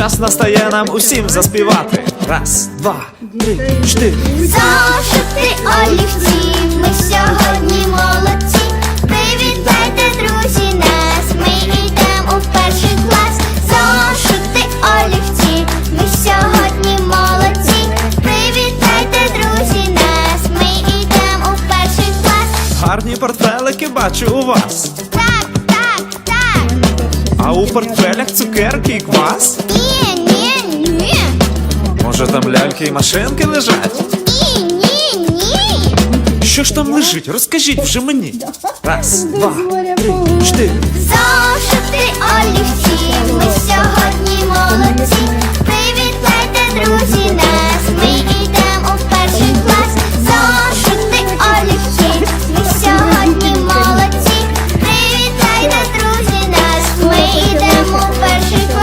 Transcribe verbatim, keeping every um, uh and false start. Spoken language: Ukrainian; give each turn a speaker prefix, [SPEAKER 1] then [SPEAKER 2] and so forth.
[SPEAKER 1] час настає нам усім заспівати. Раз, два, три, чотири.
[SPEAKER 2] Зошити, олівці, ми сьогодні молодці. Привітайте, друзі, нас, ми йдемо у перший клас. Зошити, олівці, ми сьогодні молодці. Привітайте, друзі, нас, ми йдемо у перший клас.
[SPEAKER 1] Гарні портфелики бачу у вас.
[SPEAKER 2] Так, так, так.
[SPEAKER 1] А у портфелях цукерки і квас?
[SPEAKER 2] Ні, ні, ні.
[SPEAKER 1] Може там ляльки і машинки лежать?
[SPEAKER 2] Ні, ні, ні.
[SPEAKER 1] Що ж там лежить? Розкажіть вже мені. Раз, два, три, чотири.
[SPEAKER 2] Зошити, олівці, ми сьогодні